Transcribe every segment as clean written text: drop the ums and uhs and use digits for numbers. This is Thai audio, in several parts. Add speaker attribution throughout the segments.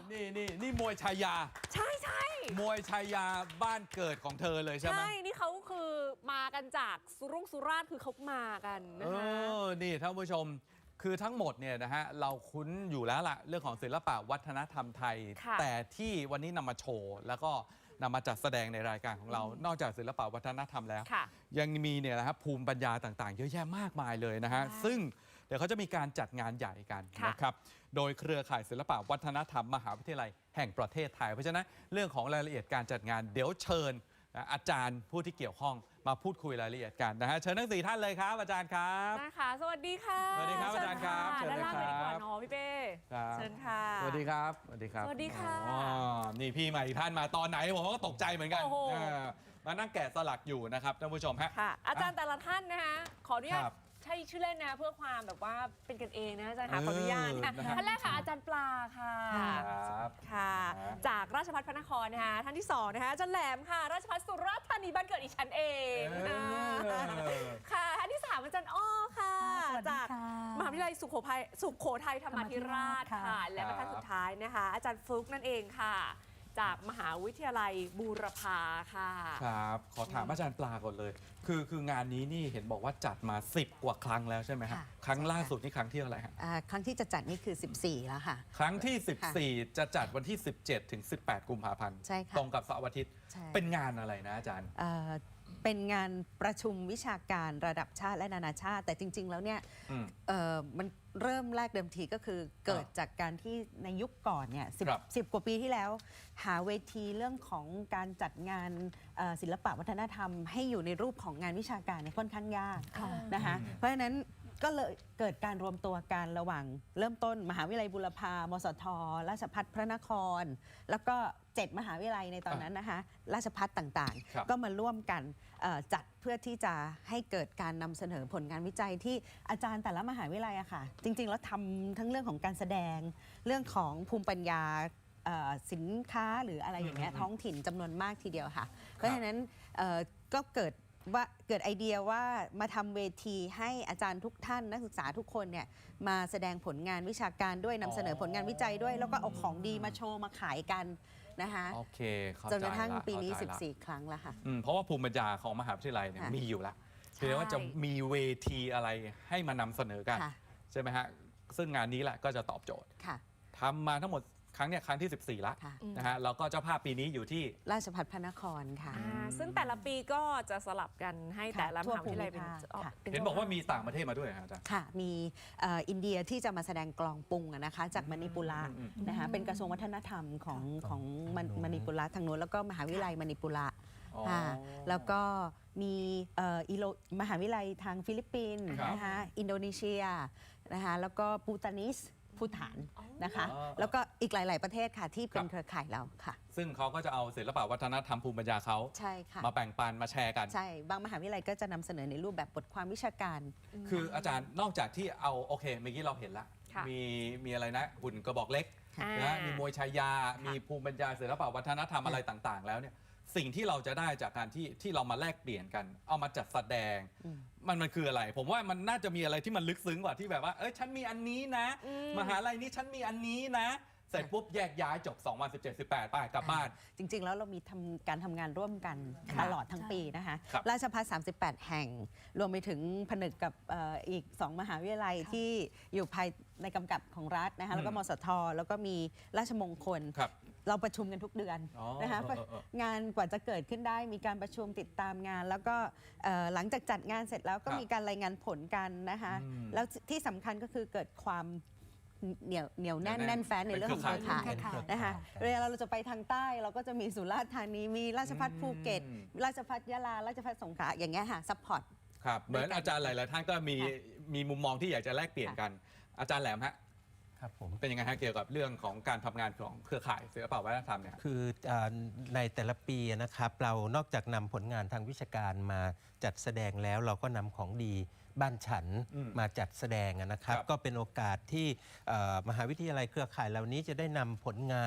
Speaker 1: นี่มวยชายา
Speaker 2: ใช่
Speaker 1: มวยชายาบ้านเกิดของเธอเลยใช่ไหม
Speaker 2: ใช่นี่เขาคือมากันจากสุราษฎร์คือเขามากันนะคะ
Speaker 1: นี่ท่านผู้ชมคือทั้งหมดเนี่ยนะฮะเราคุ้นอยู่แล้วล่ะเรื่องของศิลปะวัฒนธรรมไทยแต่ที่วันนี้นำมาโชว์แล้วก็นำมาจัดแสดงในรายการของเรานอกจากศิลปะวัฒนธรรมแล้วยังมีเนี่ยนะครับภูมิปัญญาต่างๆเยอะแยะมากมายเลยนะฮะซึ่งเดี๋ยวเขาจะมีการจัดงานใหญ่กันนะครับโดยเครือข่ายศิลปะวัฒนธรรมมหาวิทยาลัยแห่งประเทศไทยเพราะฉะนั้นเรื่องของรายละเอียดการจัดงานเดี๋ยวเชิญอาจารย์ผู้ที่เกี่ยวข้องมาพูดคุยรายละเอียดกันนะฮะเชิญทั้ง4ท่านเลยครับอาจารย์ครับ
Speaker 2: นะคะสวัสดีค่ะ
Speaker 1: สวัสดีครับอาจารย์ครับ
Speaker 2: เชิญเลยครับด้านล่างเลยดีกว่าน้องพี่เป้เชิญค่ะ
Speaker 1: สวัสดีครับสวัสดีครับ
Speaker 2: สวัสดีค่ะ
Speaker 1: นี่พี่ใหม่ท่านมาตอนไหนผมก็ตกใจเหมือนกันมานั่งแกะสลักอยู่นะครับท่านผู้ชมฮะ
Speaker 2: อาจารย์แต่ละท่านนะคะขออนุญาตใช่ชื่อเล่นนะเพื่อความแบบว่าเป็นกันเองนะอาจารย์ค่ะขออนุญาตค่ะท่านแรกค่ะอาจารย์ปลาค่ะค่ะจากราชภัฏพระนครนะคะท่านที่2นะคะอาจารย์แหลมค่ะราชภัฏสุราษฎร์ธานีบ้านเกิดอีฉันเองค่ะท่านที่3อาจารย์อ้อค่ะจากมหาวิทยาลัยสุโขทัยธรรมาธิราชค่ะและท่านสุดท้ายนะคะอาจารย์ฟลุ๊กนั่นเองค่ะจากมหาวิทยาลัยบูรพาค่ะ
Speaker 1: ครับขอถามอาจารย์ปลาก่อนเลยคืองานนี้นี่เห็นบอกว่าจัดมา10 กว่าครั้งแล้วใช่ไหมครับครั้งล่าสุดนี่ครั้งที่อะไรครับ
Speaker 3: ครั้งที่จะจัดนี่คือ14แล้วค่ะ
Speaker 1: ครั้งที่14จะจัดวันที่17ถึง18กุมภาพันธ์ตรงกับเสาร์อาทิตย์เป็นงานอะไรนะอาจารย์
Speaker 3: เป็นงานประชุมวิชาการระดับชาติและนานาชาติแต่จริงๆแล้วเนี่ยมันเริ่มแรกเดิมทีก็คือเกิดจากการที่ในยุคก่อนเนี่ย10 กว่าปีที่แล้วหาเวทีเรื่องของการจัดงานศิลปะวัฒนธรรมให้อยู่ในรูปของงานวิชาการเนี่ยค่อนข้างยากนะคะเพราะฉะนั้นก็เลยเกิดการรวมตัวกันระหว่างเริ่มต้นมหาวิทยาลัยบูรพามสทราชภัฏพระนครแล้วก็7 มหาวิทยาลัยในตอนนั้นนะคะราชภัฏต่างๆก็มาร่วมกันจัดเพื่อที่จะให้เกิดการนำเสนอผลงานวิจัยที่อาจารย์แต่ละมหาวิทยาลัยอะค่ะจริงๆแล้วทำทั้งเรื่องของการแสดงเรื่องของภูมิปัญญาสินค้าหรืออะไรอย่างเงี้ยท้องถิ่นจำนวนมากทีเดียวค่ะเพราะฉะนั้นก็เกิดไอเดียว่ามาทำเวทีให้อาจารย์ทุกท่านนักศึกษาทุกคนเนี่ยมาแสดงผลงานวิชาการด้วยนำเสนอผลงานวิจัยด้วยแล้วก็เอาของดีมาโชว์มาขายกันนะคะ
Speaker 1: โอเค
Speaker 3: จนกระทั่งปีนี้14 ครั้งแล้วค่ะ
Speaker 1: เพราะว่าภูมิปัญญาของมหาวิทยาลัยเนี่ยมีอยู่แล้วเพียงว่าจะมีเวทีอะไรให้มานำเสนอกันใช่ไหมฮะซึ่งงานนี้แหละก็จะตอบโจทย์ทำมาทั้งหมดครั้งที่14แล้วนะฮะแล้วก็เจ้าภาพปีนี้อยู่ที่
Speaker 3: ราชภัฏพระนครค่ะ
Speaker 2: ซึ่งแต่ละปีก็จะสลับกันให้แต่ละมหาวิทยาลัยเป็น
Speaker 1: เห็นบอกว่ามีต่างประเทศมาด้วยอาจารย์
Speaker 3: ค่ะมีอินเดียที่จะมาแสดงกลองปุงนะคะจากมณิปุระนะคะเป็นกระทรวงวัฒนธรรมของมณิปุระทางโน้นแล้วก็มหาวิทยาลัยมณิปุระแล้วก็มีมหาวิทยาลัยทางฟิลิปปินส์นะคะอินโดนีเซียนะคะแล้วก็ปูตานิสภูฐานนะคะแล้วก็อีกหลายๆประเทศค่ะที่เป็นเครือข่ายเราค่ะ
Speaker 1: ซึ่งเขาก็จะเอาศิลปะวัฒนธรรมภูมิปัญญาเขามาแบ่งปันมาแชร์กัน
Speaker 3: ใช่บางมหาวิทยาลัยก็จะนำเสนอในรูปแบบบทความวิชาการ
Speaker 1: คืออาจารย์นอกจากที่เอาโอเคเมื่อกี้เราเห็นละมีอะไรนะหุ่นกระบอกเล็กนะมีมวยชายามีภูมิปัญญาศิลปะวัฒนธรรมอะไรต่างๆแล้วเนี่ยสิ่งที่เราจะได้จากการที่เรามาแลกเปลี่ยนกันเอามาจัดแสดงมันคืออะไรผมว่ามันน่าจะมีอะไรที่มันลึกซึ้งกว่าที่แบบว่าฉันมีอันนี้นะมหาลัยนี้ฉันมีอันนี้นะเสร็จปุ๊บแยกย้ายจบ2017-18ไปกลับบ้าน
Speaker 3: จริงๆแล้วเรามีการทำงานร่วมกันตลอดทั้งปีนะคะราชภัฏ38 แห่งรวมไปถึงผนึกกับอีก2 มหาวิทยาลัยที่อยู่ภายในกำกับของรัฐนะคะแล้วก็มสทแล้วก็มีราชมงคลเราประชุมกันทุกเดือนนะคะงานกว่าจะเกิดขึ้นได้มีการประชุมติดตามงานแล้วก็หลังจากจัดงานเสร็จแล้วก็มีการรายงานผลกันนะคะแล้วที่สำคัญก็คือเกิดความเหนียวแน่นแฟ้นในเรื่องของเครือข่ายนะคะเวลาเราจะไปทางใต้เราก็จะมีสุราษฎร์ธานีมีราชภัฏภูเก็ตราชภัฏยะลาราชภัฏสงขลาอย่างเงี้ยค่ะซัพพอร์ต
Speaker 1: ครับเหมือนอาจารย์หลายๆท่านก็มีมุมมองที่อยากจะแลกเปลี่ยนกันอาจารย์แหลมฮะ
Speaker 4: ครับผม
Speaker 1: เป็นยังไงฮะเกี่ยวกับเรื่องของการทำงานของเครือข่ายศิลปะวัฒนธรรมเนี่ย
Speaker 4: คือในแต่ละปีนะครับเรานอกจากนำผลงานทางวิชาการมาจัดแสดงแล้วเราก็นำของดีบ้านฉันมาจัดแสดงนะครับก็เป็นโอกาสที่มหาวิทยาลัยเครือข่ายเหล่านี้จะได้นำผลงานท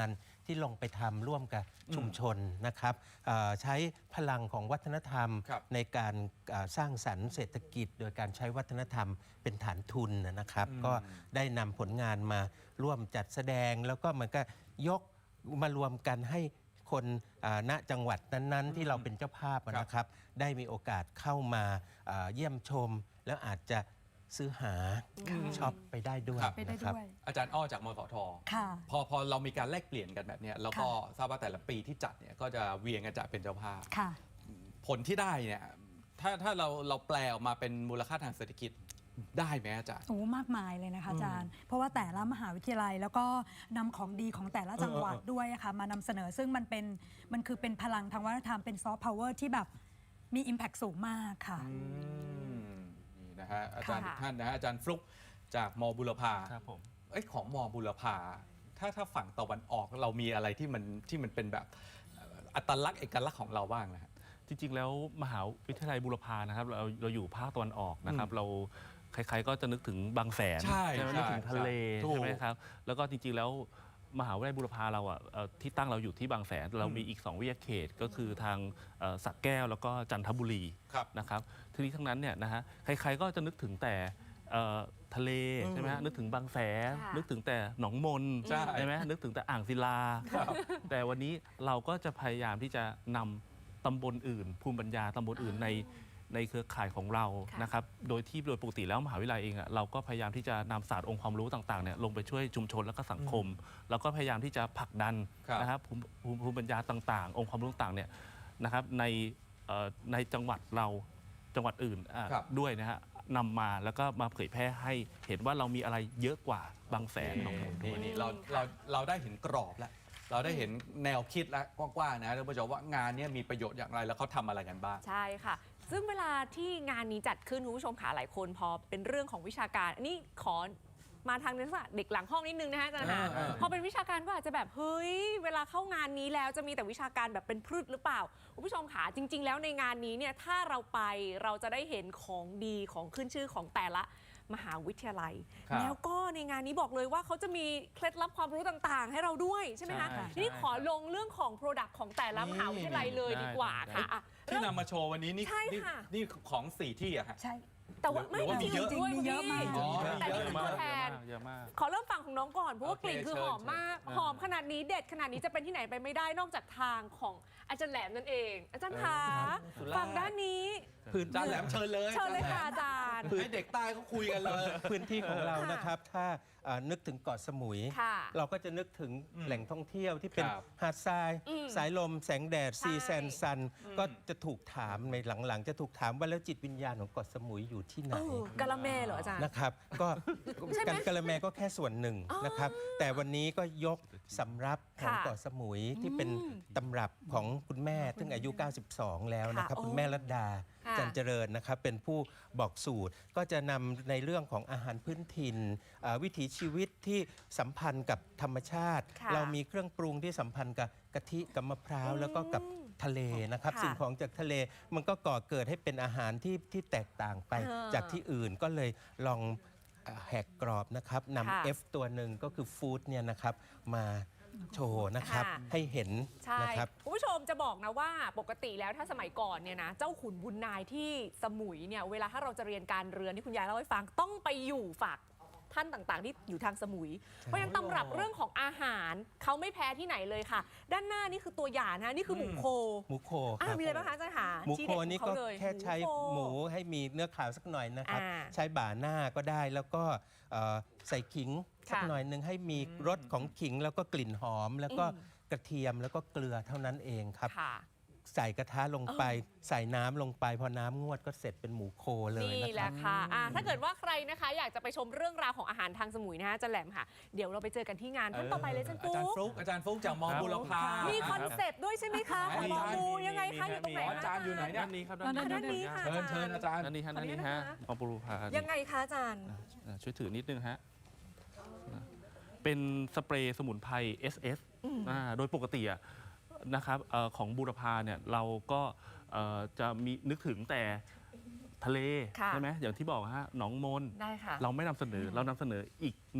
Speaker 4: ที่ลงไปทำร่วมกับชุมชนนะครับใช้พลังของวัฒนธรรม
Speaker 1: ครับ
Speaker 4: ในการสร้างสรรค์เศรษฐกิจ โดยการใช้วัฒนธรรมเป็นฐานทุนนะครับ ก็ได้นำผลงานมาร่วมจัดแสดง แล้วก็มันก็ยกมารวมกันให้คนณจังหวัดนั้นๆ ที่เราเป็นเจ้าภาพนะครับ ได้มีโอกาสเข้ามาเยี่ยมชม แล้วอาจจะซื้อหาช็อปไปได้ด้วย
Speaker 1: ครับ
Speaker 5: ไปได้
Speaker 4: นะครับ
Speaker 5: ด้วย
Speaker 1: อาจารย์อ้อจากมสท
Speaker 5: ค่ะ
Speaker 1: พอเรามีการแลกเปลี่ยนกันแบบเนี้ยแล้วก็ทราบว่าแต่ละปีที่จัดเนี่ยก็จะเวียนกันจัดเป็นเจ้าภาพ
Speaker 5: ค่ะ
Speaker 1: ผลที่ได้เนี่ยถ้าเราแปลออกมาเป็นมูลค่าทางเศรษฐกิจได้ไหมอาจารย์
Speaker 5: โอ้มากมายเลยนะคะอาจารย์ เพราะว่าแต่ละมหาวิทยาลัยแล้วก็นำของดีของแต่ละจังหวัดด้วยอะค่ะมานำเสนอซึ่งมันคือเป็นพลังทางวัฒนธรรมเป็นซอฟต์พาวเวอร์ที่แบบมี Impact สูงมากค่ะ
Speaker 1: นี่นะฮะอาจารย์
Speaker 2: ค่ะ
Speaker 1: ท่านนะฮะอาจารย์ฟลุกจากมบุรพา
Speaker 6: ครับผม
Speaker 1: ของมบุรพาถ้าฝั่งตะวันออกเรามีอะไรที่มันเป็นแบบอัตลักษณ์เอกลักษณ์ของเราบ้างนะฮะ
Speaker 6: จริงๆ แล้วมหาวิทยาลัยบูรพานะครับเราอยู่ภาคตะวันออกนะครับ เราใครๆก็จะนึกถึงบางแสน
Speaker 1: ใช่
Speaker 6: ไหม
Speaker 1: ใช่
Speaker 6: นึกถึงทะเล
Speaker 1: ถูก
Speaker 6: ใช่ไหมครับแล้วก็จริงๆ แล้วมหาวิทยาลัยบูรพาเราที่ตั้งเราอยู่ที่บางแสนเรามีอีก 2 วิทยาเขตก็คือทางสระแก้วแล้วก็จันทบุรี
Speaker 1: ครับ
Speaker 6: นะครับทีนี้ทั้งนั้นเนี่ยนะฮะใครๆก็จะนึกถึงแต่ทะเลใช่ไหมฮะนึกถึงบางแสน
Speaker 2: ค่ะ
Speaker 6: นึกถึงแต่หนองมน
Speaker 1: ใช่
Speaker 6: ไหมนึกถึงแต่อ่างศิลา แต่วันนี้เราก็จะพยายามที่จะนำตำบลอื่น ภูมิปัญญาตำบลอื่นในเครือข่ายของเรา
Speaker 2: ค่ะ
Speaker 6: นะครับโดยปกติแล้วมหาวิทยาลัยเองเราก็พยายามที่จะนำศาสตร์องค์ความรู้ต่างๆเนี่ยลงไปช่วยชุมชนและก็สังคม แล้วก็พยายามที่จะผลักดัน
Speaker 1: ครับ
Speaker 6: นะครับภูมิปัญญาต่างๆ องค์ความรู้ต่างๆเนี่ยนะครับในจังหวัดเราจังหวัดอื่น
Speaker 1: ครับ
Speaker 6: ด้วยนะฮะนำมาแล้วก็มาเผยแพร่ให้เห็นว่าเรามีอะไรเยอะกว่าบางแสนหนองมนด้วย
Speaker 1: นี่เราได้เห็นกรอบแล้วเราได้เห็นแนวคิดแล้วกว้างๆนะท่านผู้ชมว่างานเนี้มีประโยชน์อย่างไรแล้วเขาทำอะไรกันบ้าง
Speaker 2: ใช่ค่ะ ซึ่งเวลาที่งานนี้จัดขึ้นคุณผู้ชมค่ะหลายคนพอเป็นเรื่องของวิชาการอันนี้ขอมาทางลักษณะเด็กหลังห้องนิดนึงนะฮะอาจารย์ค่ะพอเป็นวิชาการก็อาจจะแบบเฮ้ยเวลาเข้างานนี้แล้วจะมีแต่วิชาการแบบเป็นพืชหรือเปล่าคุณผู้ชมค่ะจริง ๆ แล้วในงานนี้เนี่ยถ้าเราไปเราจะได้เห็นของดีของขึ้นชื่อของแต่ละมหาวิทยาลัย
Speaker 1: ครับ
Speaker 2: แล้วก็ในงานนี้บอกเลยว่าเขาจะมีเคล็ดลับความรู้ต่างๆ ให้เราด้วยใช่ไหมคะ
Speaker 6: ใช่
Speaker 2: ทีนี้ขอลงเรื่องของ Product ของแต่ละมหาวิทยาลัยเลยดีกว่าค่ะอ่ะ
Speaker 1: ที่นำมาโชว์วันนี้นี่
Speaker 2: ใช่ค่ะ
Speaker 1: นี่ของ4ที่อะฮะ
Speaker 5: ใช่
Speaker 2: แต่ว่า
Speaker 1: หรือว่ามีเยอะ
Speaker 2: จริงๆด้วย
Speaker 5: มีเยอะมาก
Speaker 2: คุณ
Speaker 1: อ๋อ
Speaker 2: พี่แต่นี่คือตัวแทน
Speaker 6: เยอะมาก
Speaker 2: ขอเริ่มฟังของน้องก่อน เพราะว่า
Speaker 1: โอเค
Speaker 2: กลิ่นคือ
Speaker 1: เชิญ
Speaker 2: หอมมาก
Speaker 6: เชิญ
Speaker 2: หอมขนาดนี้เด็ดขนาดนี้จะเป็นที่ไหนไปไม่ได้นอกจากทางของอาจารย์แหลมนั่นเอง อาจารย์คะฝั่งด้านนี้
Speaker 1: อาจารย์แหลมเชิญเลย
Speaker 2: เชิญเลยค่ะอาจารย์
Speaker 1: ให้เด็กใต้เขาคุยกันเลย
Speaker 4: พื้นที่ของเรา
Speaker 2: ค่ะ
Speaker 4: นะครับถ้านึกถึงเกาะสมุย
Speaker 2: ค่ะ
Speaker 4: เราก็จะนึกถึงแหล่งท่องเที่ยวที่เป็น
Speaker 1: ครับ
Speaker 4: หาดทราย
Speaker 2: อืม
Speaker 4: สายลมแสงแดด
Speaker 2: ใช่
Speaker 4: ซีแซนซัน ก็จะถูกถามในหลังๆ จะถูกถามว่าแล้วจิตวิญญาณของเกาะสมุยอยู่ที่ไหน
Speaker 2: กะละแมเหรออาจารย์
Speaker 4: นะครับ ก็
Speaker 2: ใช่ไหม
Speaker 4: กะละแมก็แค่ส่วนหนึ่งนะครับ แต่วันนี้ก็ยกสำรับของ
Speaker 2: ค่ะ
Speaker 4: เกาะสมุยที่เป็นตำรับของคุณแม่ซึ่งอายุ 92 แล้วนะครับ
Speaker 2: ค่ะ
Speaker 4: คุณแม่รัตดา
Speaker 2: ค่ะ
Speaker 4: จันเจริญนะครับเป็นผู้บอกสูตรก็จะนำในเรื่องของอาหารพื้นถิ่นวิถีชีวิตที่สัมพันธ์กับธรรมชาติ
Speaker 2: ค่ะ
Speaker 4: เรามีเครื่องปรุงที่สัมพันธ์กับกะทิกับมะพร้าวแล้วก็กับทะเลนะครับ
Speaker 2: ค่ะ
Speaker 4: สิ่งของจากทะเลมันก็ก่อเกิดให้เป็นอาหารที่แตกต่างไป จากที่อื่นก็เลยลองแหกกรอบนะครับ
Speaker 2: ค่ะ
Speaker 4: นำ F ตัวหนึ่งก็คือฟู้ดเนี่ยนะครับมาโชว์นะครับ
Speaker 2: ค่ะ
Speaker 4: ให้เห็น
Speaker 2: ใช่
Speaker 4: นะครับ
Speaker 2: คุณผู้ชมจะบอกนะว่าปกติแล้วถ้าสมัยก่อนเนี่ยนะเจ้าขุนบุญนายที่สมุยเนี่ยเวลาถ้าเราจะเรียนการเรือนที่คุณยายเล่าให้ฟังต้องไปอยู่ฝากท่านต่างๆ ที่อยู่ทางสมุย เพราะฉะนั้นตำรับเรื่องของอาหารเขาไม่แพ้ที่ไหนเลยค่ะ ด้านหน้านี่คือตัวอย่างนะนี่คือหมูโค
Speaker 4: หมูโคค
Speaker 2: อ่ะ
Speaker 4: รับ
Speaker 2: มีอะไรบ้างคะอาจารย์หา
Speaker 4: หมู
Speaker 2: ที่
Speaker 4: โค
Speaker 2: เด็ดของ
Speaker 4: นี่
Speaker 2: เขา
Speaker 4: ก็
Speaker 2: เลย
Speaker 4: แค่ใช้
Speaker 2: โค
Speaker 4: หมูให้มีเนื้อขาวสักหน่อยนะครับ
Speaker 2: อ่า
Speaker 4: ใช้บ่าหน้าก็ได้แล้วก็ใส่ขิงสัก
Speaker 2: ค่ะ
Speaker 4: หน่อยหนึ่งให้มีรสของขิงแล้วก็กลิ่นหอม แล้วก็กระเทียมแล้วก็เกลือเท่านั้นเองครับ
Speaker 2: ค่ะ
Speaker 4: ใส่กระทะลงไป ใส่น้ำลงไปพอน้ำงวดก็เสร็จเป็นหมูโคเลย
Speaker 2: นี่
Speaker 4: นะ
Speaker 2: แห
Speaker 4: ครั
Speaker 2: ละ
Speaker 4: บ
Speaker 2: ค่ะถ้าเกิดว่าใครนะคะ อยากจะไปชมเรื่องราวของอาหารทางสมุยนะคะอาจะแหลมค่ะ เดี๋ยวเราไปเจอกันที่งานท่านต่อไปเลยอาจารย์
Speaker 1: อาจารย์ฟ
Speaker 2: ปุ๊
Speaker 1: ลุกอาจารย์ฟลุกจากมบุรพา
Speaker 2: มีคอนเซปต์ด้วยใช่ไหมคะของหมอมูยังไงคะอยู่ตรงไหน
Speaker 1: อาจารย์อยู่ไหนเนี่ย
Speaker 6: ด้านนี้ครับ
Speaker 2: ด้านนี้ค่ะ
Speaker 1: เชิญอาจารย์
Speaker 6: ด้านนี้ฮะ
Speaker 2: ขออนุญาต
Speaker 6: ด้านนี้ฮะ
Speaker 2: นะคะ
Speaker 6: มอปรูพา
Speaker 2: ยังไงคะอาจารย์
Speaker 6: ช่วยถือนิดนึงฮะเป็นสเปรย์สมุนไพร SS โดยปกติอะนะครับของบูรพาเนี่ยเราก็จะมีนึกถึงแต่ทะเล
Speaker 2: ค่ะ
Speaker 6: ใช่ไหมอย่างที่บอกฮะหนองมน
Speaker 2: ได้ค่ะ
Speaker 6: เราไม่นำเสนอเรานำเสนออีกหนึ่งต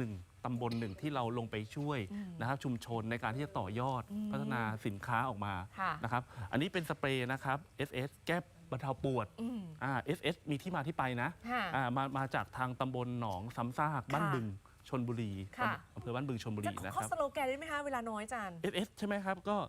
Speaker 6: ำบลหนึ่งที่เราลงไปช่วยนะครับชุมชนในการที่จะต่อยอดพัฒนาสินค้าออกมา
Speaker 2: ค่ะ
Speaker 6: นะครับอันนี้เป็นสเปรย์นะครับ SS แก้บรรเทาปวดSS มีที่มาที่ไปนะ
Speaker 2: ค่ะ
Speaker 6: มาจากทางตำบลหนองซ้ำซากบ้านบึงชลบุรี
Speaker 2: ค่ะ
Speaker 6: อำเภอบ้านบึงชลบุ
Speaker 2: จะ
Speaker 6: รีนะค
Speaker 2: ข้อ
Speaker 6: รับ
Speaker 2: สโลแกนได้ไหมคะเวลาน้อยอาจารย์
Speaker 6: SS ใช่ไหมครับก็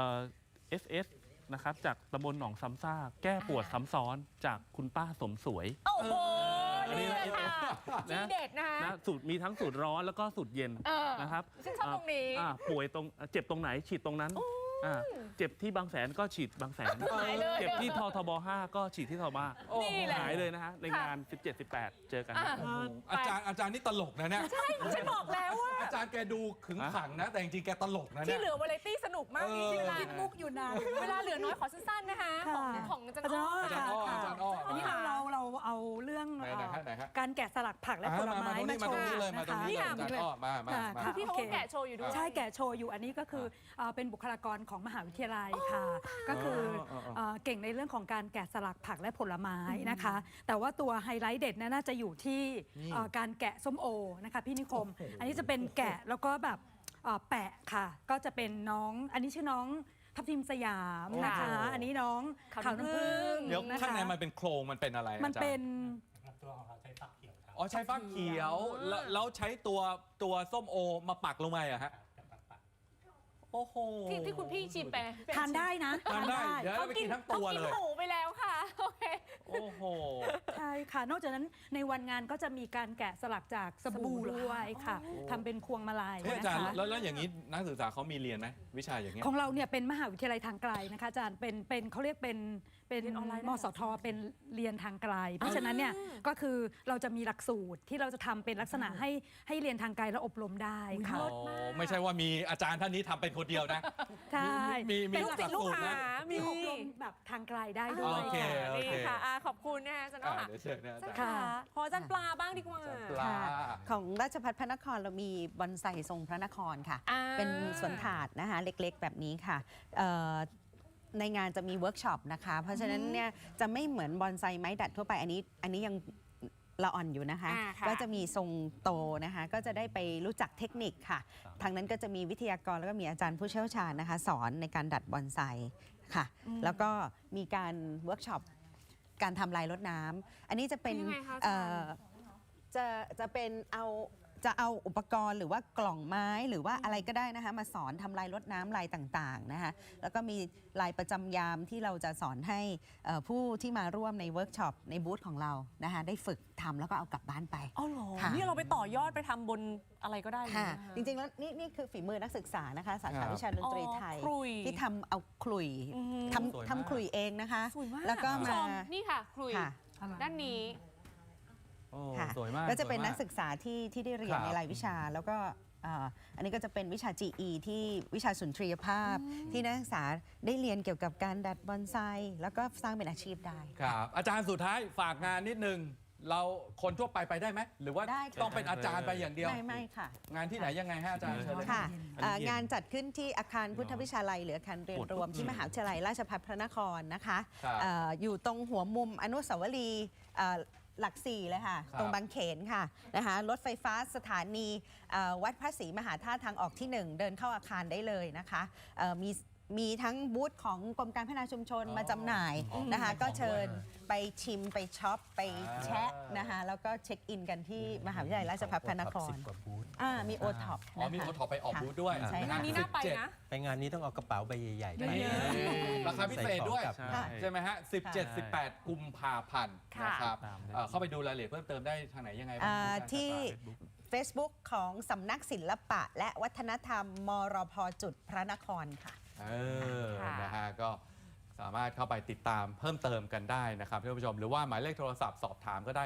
Speaker 6: SS นะครับจากตำบลหนองซ้ำซากแก้ปวดซ้ำซ้อนจากคุณป้าสมสวย
Speaker 2: โอ้โห
Speaker 6: อันนี้
Speaker 2: นี่แหละค่ะ
Speaker 6: นะ
Speaker 2: ทีเด็ดนะคะ
Speaker 6: นะสูตรมีทั้งสูตรร้อนแล้วก็สูตรเย็น นะครับ
Speaker 2: ฉันชอบตรงนี้
Speaker 6: ป่วยตรงเจ็บตรงไหนฉีดตรงนั้นเจ็บที่บางแสนก็ฉีดบางแสน
Speaker 2: หายเลย
Speaker 6: เจ็บที่ททบ 5 ก็ฉีดที่ททบ
Speaker 2: นี่แหละ
Speaker 6: หายเลยนะฮะในงาน 17-18 เจอกัน
Speaker 1: อาจารย์นี่ตลกนะเนี่ย
Speaker 2: ฉันบอกแล้วว่า
Speaker 1: อาจารย์แกดูขึงขังนะ แต่จริงๆแกตลกนะ
Speaker 2: ที่
Speaker 1: เนี่ย
Speaker 2: เหลือวาไรตี้สนุกมากนี่เวลา
Speaker 5: คิดมุกอยู่นาน
Speaker 2: เวลาเหลือน้อยขอสั้นๆนะคะ
Speaker 5: ค่ะ
Speaker 2: ของอาจาร
Speaker 5: อาจารย์
Speaker 2: ย์อ้อ
Speaker 1: อาจารย์อ้ออาจารย์อ้อ
Speaker 5: อันนี้
Speaker 1: มา
Speaker 5: เราเอาเรื่อง
Speaker 1: ไหนฮะ
Speaker 5: การแกะสลักผักและผลไม้
Speaker 1: มาตรงนี้เลย
Speaker 5: ะ
Speaker 1: มาตรงนี้เลยอาจารย์อ้อมา
Speaker 5: ค่ะ
Speaker 2: พี่เขาก็แกะโชว์อยู่ด้วย
Speaker 5: ใช่แกะโชว์อยู่อันนี้ก็คือเป็นบุคลากรของมหาวิทยาลัยค่ะ ก็คือเก่งในเรื่องของการแกะสลักผักและผลไม้นะคะ แต่ว่าตัวไฮไลท์เด็ดน่าจะอยู่ที่การแกะส้มโอนะคะพี่นิคม อันนี้จะเป็นแกะแล้วก็แบบแปะค่ะ ก็จะเป็นน้องอันนี้ชื่อน้องทับทิมสยามนะคะ อันนี้น้อง
Speaker 2: ขาว
Speaker 5: ขาว
Speaker 2: น้ำ
Speaker 5: น้ำ
Speaker 2: ผึ้
Speaker 5: ผึ้
Speaker 2: ง
Speaker 5: ง
Speaker 1: เดี๋ยว
Speaker 5: นะคะ
Speaker 1: ข้างในมันเป็นโครงมันเป็นอะไร
Speaker 5: มัน
Speaker 1: อาจารย์
Speaker 5: เป็น
Speaker 1: อ๋อใช้ฟักเขียวแล้วใช้ตัวส้มโอมาปักลงไปอะฮะโอ้โห
Speaker 2: ที่คุณพี่ชิมไป
Speaker 5: ทานได้นะ
Speaker 1: ทานได้เดี๋ยว
Speaker 2: เขา
Speaker 1: ไป
Speaker 2: กิ
Speaker 1: กิ
Speaker 2: น
Speaker 1: นทั้งตัวเลย
Speaker 2: หมูไปแล้วค่ะโอเค
Speaker 1: โอ้โห
Speaker 5: ใช่ค่ะ นอกจากนั้นในวันงานก็จะมีการแกะสลักจากสบู่ด้วยค่ะทำเป็นพวงมาลัย
Speaker 1: เฮ้ยอา
Speaker 5: นะ
Speaker 1: จารย์
Speaker 5: คะ
Speaker 1: แล้วอย่างนี้นักศึกษาเขามีเรียนไหมวิชาอย่างเงี้ย
Speaker 5: ของเราเนี่ยเป็นมหาวิทยาลัยทางไกลนะคะอาจารย์เป็นเขาเรียกเป็น
Speaker 2: เรียนออนไลน์ได้
Speaker 5: มสทเป็นเรียนทางไกล เพราะฉะนั้นเนี่ยก็คือเราจะมีหลักสูตรที่เราจะทำเป็นลักษณะให้เรียนทางไกลและอบรมได้ค่ะ
Speaker 1: อ๋อไม่ใช่ว่ามีอาจารย์ท่านนี้ทำเป็นคนเดียวนะ
Speaker 5: ใช่
Speaker 1: มี
Speaker 2: เป็นลูกศิษย์ลูก
Speaker 1: หลักสูตร
Speaker 2: หา
Speaker 1: นะ
Speaker 2: มี
Speaker 5: อบรมแบบทางไกลได้ด้ว
Speaker 1: โอย เค
Speaker 5: ค่ะ
Speaker 1: โอเค
Speaker 2: นี่ค่ะขอบคุณนะคะอาจารย์อ้อค่ะ
Speaker 1: เดี๋ยวเชิญนะอาจารย์
Speaker 2: ค่ะขออาจารย์ปลาบ้างดีกว่า
Speaker 1: ปลา
Speaker 3: ของราชภัฏพระนครเรามีบอนไซทรงพระนครค่ะ
Speaker 2: อ่า
Speaker 3: เป็นสวนถาดนะคะเล็กๆแบบนี้ค่ะในงานจะมีเวิร์กช็อปนะคะ เพราะฉะนั้นเนี่ยจะไม่เหมือนบอนไซไม้ดัดทั่วไปอันนี้ยังละอ่อนอยู่นะคะ
Speaker 2: ค่ะ
Speaker 3: ก็จะมีทรงโตนะคะก็จะได้ไปรู้จักเทคนิคค่ะ ทางนั้นก็จะมีวิทยากรแล้วก็มีอาจารย์ผู้เชี่ยวชาญนะคะ สอนในการดัดบอนไซค่ะ แล้วก็มีการเวิร์กช็อปการทำลายรดน้ำอันนี้จะเป็น
Speaker 2: ยังไงคะอาจารย์
Speaker 3: จะเป็นจะเอาอุปกรณ์หรือว่ากล่องไม้หรือว่าอะไรก็ได้นะคะมาสอนทำลายรดน้ำลายต่างๆนะคะแล้วก็มีลายประจำยามที่เราจะสอนให้ผู้ที่มาร่วมในเวิร์กช็อปในบูธของเรานะคะได้ฝึกทำแล้วก็เอากลับบ้านไป
Speaker 2: อ๋อเหรอ
Speaker 3: ค่ะ
Speaker 2: นี่เราไปต่อยอดไปทำบนอะไรก็ได้เลย
Speaker 3: ค่ะ
Speaker 2: นะคะ
Speaker 3: จริงๆแล้วนี่คือฝีมือนักศึกษานะคะสา
Speaker 1: ครั
Speaker 3: ขา
Speaker 1: บ
Speaker 3: วิชาดนตรีไทย
Speaker 2: อ๋อขลุ่ย
Speaker 3: ที่ทำเอาขลุ่ย
Speaker 2: อืม
Speaker 3: ท
Speaker 1: สวยมาก
Speaker 3: ำทำขลุ่ยเองนะคะ
Speaker 2: สวยมาก
Speaker 3: แล้วก็
Speaker 2: คุณผู้
Speaker 3: มา
Speaker 2: ชนี่ค่ะคลุย
Speaker 3: ค่ะ
Speaker 2: ด้านนี้
Speaker 1: โอ้
Speaker 3: ค่ะ
Speaker 1: สวยมาก
Speaker 3: ก็จะเป็น
Speaker 1: สวยมา
Speaker 3: นักศึกษาที่ได้เรียน
Speaker 1: ครับ
Speaker 3: ในรายวิชา แล้วก็อันนี้ก็จะเป็นวิชา GE ที่วิชาสุนทรียภาพ ที่นักศึกษาได้เรียนเกี่ยวกับการดัดบอนไซแล้วก็สร้างเป็นอาชีพได้
Speaker 1: ครับอาจารย์สุดท้ายฝากงานนิดนึง เราคนทั่วไปได้ไหม หรือว่า
Speaker 3: ได้ค่ะ
Speaker 1: ต้องเป็นอาจารย์ไปอย่างเดียว
Speaker 3: ไม่ค่ะ
Speaker 1: งานที่ไหนยังไงฮะอาจารย์เชิญเลย
Speaker 3: ค่ะ
Speaker 1: อันนี้เย็น
Speaker 3: งานจัดขึ้นที่อาคารพุทธวิชาลัยหรืออาคารเรียนรวมที่มหาวิทยาลัยราชภัฏพระนครนะคะ
Speaker 1: ครับ
Speaker 3: อยู่ตรงหัวมุมอนุสาวรีย์หลักสี่เลยค่ะ
Speaker 1: ครับ
Speaker 3: ตรงบางเขนค่ะนะคะรถไฟฟ้าสถานีวัดพระศรีมหาธาตุทางออกที่ 1 เดินเข้าอาคารได้เลยนะคะมีทั้งบูธของกรมการพัฒนาชุมชนมาจำหน่ายนะคะ ก็เชิญไปชิมไปช็อปไปแชะนะคะแล้วก็เช็คอินกันที่มหาวิทยาลัยราชภัฏพระนคร
Speaker 4: 10 กว่าบูธ
Speaker 3: มีโอท็อป
Speaker 1: อ๋อมีโอท็อปไปออกบูธด้วย
Speaker 3: ใช่
Speaker 2: งานนี้น่าไปนะ
Speaker 4: ไปงานนี้ต้องเอากระเป๋าใบใหญ่ๆไป
Speaker 5: เยอะ
Speaker 1: ราคาพิเศษด้วย
Speaker 4: ใส่ของกลับ
Speaker 1: ใช่ไหมฮะ 17-18 กุมภาพันธ์
Speaker 2: ค่ะ
Speaker 1: นะครับ
Speaker 6: ตามได้
Speaker 1: เข้าไปดูรายละเอียดเพิ่มเติมได้ทางไหนยังไงบ้าง
Speaker 3: ที่ Facebook ของสำนักศิลปะ และวัฒนธรรมมรพจุดพระนครค่ะ
Speaker 2: ค่ะ
Speaker 1: นะฮะก็สามารถเข้าไปติดตามเพิ่มเติมกันได้นะครับท่านผู้ชมหรือว่าหมายเลขโทรศัพท์สอบถามก็ได้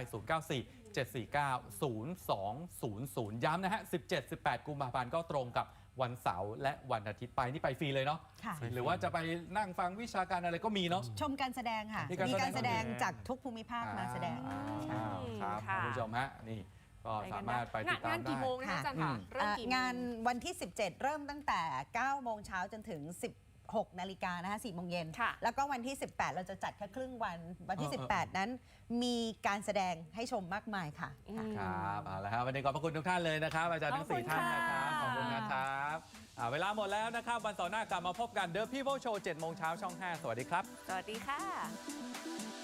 Speaker 1: 094-749-0200 ย้ำนะฮะ 17-18 กุมภาพันธ์ก็ตรงกับวันเสาร์และวันอาทิตย์ไปนี่ไปฟรีเลยเนาะ
Speaker 3: ค่ะ
Speaker 1: หรือว่าจะไปนั่งฟังวิชาการอะไรก็มีเนาะ
Speaker 3: ชมการแสดงค่ะ
Speaker 1: มีการ
Speaker 3: มีการแสดง
Speaker 1: แสดง
Speaker 3: จากทุกภูมิภาคมาแสดง
Speaker 1: ครับ
Speaker 2: ค่ะ
Speaker 1: ท่านผู้ชมฮะนี่ก็สามารถไปติดตาม
Speaker 2: งาน
Speaker 1: ได้
Speaker 2: กี่โมงนะคะอาจารย์คะเริ่มกี่โมง
Speaker 3: งานวันที่ 17 เริ่มตั้งแต่ 9 โมงเช้าจนถึง 16 นาฬิกานะคะ4 โมงเย็น
Speaker 2: ค่ะ
Speaker 3: แล้วก็วันที่ 18 เราจะจัดแค่ครึ่งวัน วันที่ 18 นั้นมีการแสดงให้ชมมากมายค่ะ
Speaker 1: ครับเอาละครับวันนี้ขอบพระคุณทุกท่านเลยนะครับอาจารย์ทั้ง 4 ท่านนะครับขอบคุณนะครับเวลาหมดแล้วนะครับวันเสาร์หน้ากลับมาพบกัน The People Show 7 โมงเช้าช่อง 5 สวัสดีครับ
Speaker 2: สวัสดีค่ะ